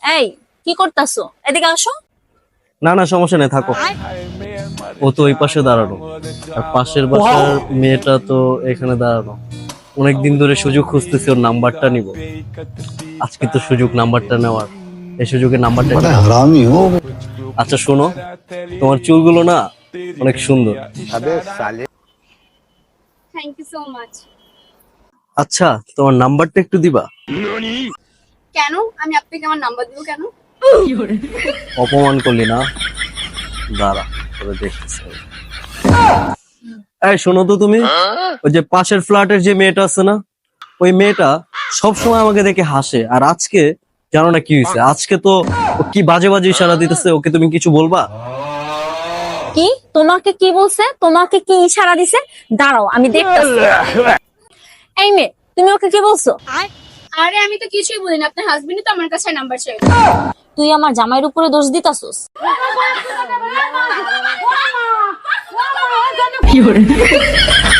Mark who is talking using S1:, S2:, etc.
S1: এই কি করতাছো? এদিকে আসো।
S2: না না সমস্যা নেই, থাকো। ও তো ওই পাশে দাঁড়ানো, আর পাশের বাসার মেয়েটা তো এখানে দাঁড়ানো। অনেকদিন ধরে সুযোগ খুঁজতেছি ওর নাম্বারটা নিব। আজকে তো সুযোগ নাম্বারটা নেওয়ার, এই সুযোগে নাম্বারটা
S3: बड़ा
S2: নিলাম।
S3: हरामी हो।
S2: আচ্ছা শোনো, তোমার চুলগুলো না অনেক সুন্দর।
S1: Thank you so much.
S2: আচ্ছা তোমার নাম্বারটা একটু দিবা?
S1: কেন আমি আপনাকে আমার নাম্বার দিব কেন?
S2: অপমান করলি না, দাঁড়া তোরে দেখতেছি। এই শোনো তো, তুমি ওই যে পাশের ফ্ল্যাটের যে মেয়েটা আছে না, ওই মেয়েটা সব সময় আমাকে দেখে হাসে, আর আজকে জানো না কি হয়েছে। আজকে তো ও কি বাজে বাজে ইশারা দিতেছে। ওকে তুমি কিছু বলবা?
S1: কি তোমাকে কি বলছে? তোমাকে কি ইশারা দিছে? দাঁড়াও আমি দেখতেছি। এই মেয়ে, তুমি ওকে কি বলছো?
S4: আরে আমি তো কিছুই বলিনি, আপনার হাজবেন্ডই তো আমার কাছে নাম্বার চাই।
S1: তুই আমার জামাইয়ের উপরে দোষ দিতাছস।
S4: কি